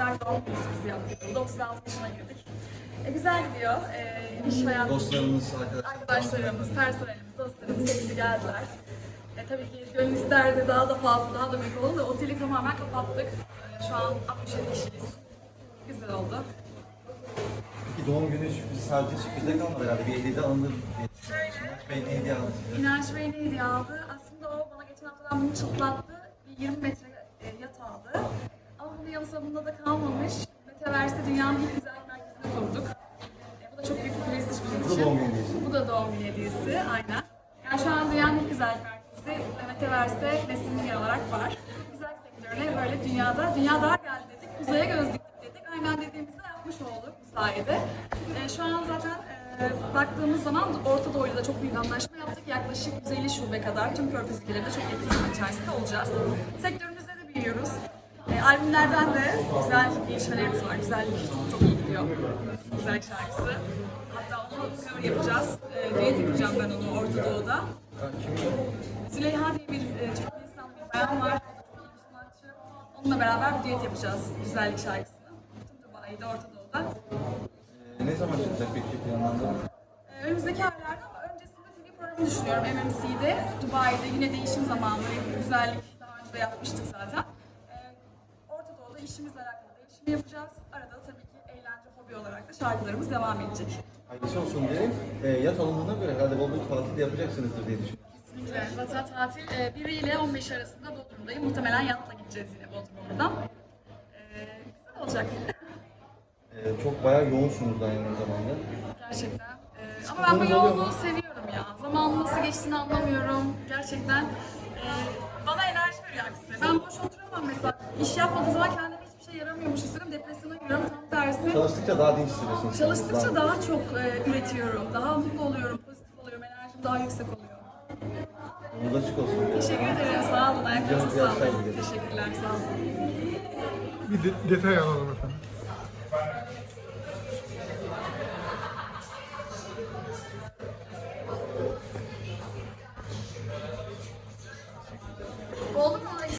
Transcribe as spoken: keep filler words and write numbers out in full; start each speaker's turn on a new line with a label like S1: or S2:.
S1: Mart doğum günü sürprizi yaptık. Burada otuz altı yaşına girdik. E, güzel gidiyor. E, iş hayatımız,
S2: Dostlarımız, arkadaşlarımız,
S1: arkadaşlarımız, personelimiz, dostlarımız hepsi geldiler. E, tabii ki gönül isterdi daha da fazla, daha da büyük oldu da oteli tamamen kapattık. E, şu an altmış yedi kişiyiz. Güzel oldu.
S2: Peki doğum günü sürprizi sadece sürprize kalmadı herhalde. Bir hediye de alındı. Bey ne hediye aldı size?
S1: İnanç Bey ne hediye aldı? Aslında o bana geçen haftadan bunu çıtlattı. Bir yirmi metre e, yat aldı. Ama bunun yanı sonunda da kalmamış. Metaverse'de dünyanın ilk güzellik merkezini kurduk. E, bu da çok büyük bir prestij bizim
S2: Bu da
S1: için.
S2: doğum günü hediyesi.
S1: Bu da doğum günü hediyesi, aynen. Yani şu an dünyanın ilk güzellik merkezi ve Metaverse'de Nesin olarak var. Güzellik sektörüne böyle dünyada, dünya daha geldi dedik, uzaya göz diktik dedik. Aynen dediğimizde yapmış olduk bu sayede. E, şu an zaten e, baktığımız zaman Orta Doğu'yla da çok büyük anlaşma yaptık. Yaklaşık yüz elli şube kadar tüm Körfez ülkelerinde çok yakın zaman içerisinde olacağız. Sektörümüzde de büyüyoruz. E, albümlerden de güzel gelişmelerimiz var. Güzellik çok, çok iyi gidiyor. Güzellik şarkısı. Hatta onu cover yapacağız. E, düet yapacağım ben onu Orta Doğu'da. Züleyha diye bir e, çok insan bir bayan var. Çok iyi bir sanatçı. Onunla beraber bir düet yapacağız güzellik şarkısını. Tüm Dubai'de, Orta Doğu'da.
S2: Ee, ne zaman çıkacak peki planlandı mı?
S1: Ee, önümüzdeki aylarda ama öncesinde T V programı düşünüyorum M M C'de. Dubai'de yine değişim zamanı, böyle güzellik daha önce de yapmıştık zaten. Ee, Orta Doğu'da işimizle alakalı değişimi yapacağız. Arada tabii ki eğlence, hobi olarak da şarkılarımız devam edecek.
S2: Hayırlısı olsun diyelim. Ee, yat alındığına göre herhalde bol bol tatil de yapacaksınızdır diye düşünüyorum.
S1: Kesinlikle. Zaten tatil e, bir ile on beş arasında Bodrum'dayım. Muhtemelen yatla gideceğiz yine Bodrum'dan. Ee, güzel olacak.
S2: Ee, çok bayağı yoğunsunuz da aynı zamanda.
S1: Gerçekten. Ee, ama ben bu yoğunluğu seviyorum ya. Zamanın nasıl geçtiğini anlamıyorum. Gerçekten e, bana enerji veriyor aksine. Ben boş oturamam mesela. İş yapmadığım zaman kendime hiçbir şey yaramıyormuş hissediyorum. Depresyona giriyorum. Tam tersi.
S2: Çalıştıkça daha dinç hissediyorsunuz.
S1: Çalıştıkça daha çok e, üretiyorum. Daha mutlu oluyorum. Pozitif oluyorum. Enerjim daha yüksek oluyor.
S2: Yolda açık olsun.
S1: Teşekkür ederim. Sağ olun. Ayaklarınıza
S2: Güzel bir
S1: sağlık.
S2: yaşlar dilerim.
S1: Teşekkürler. Sağ olun.
S3: Bir de- detay alalım efendim.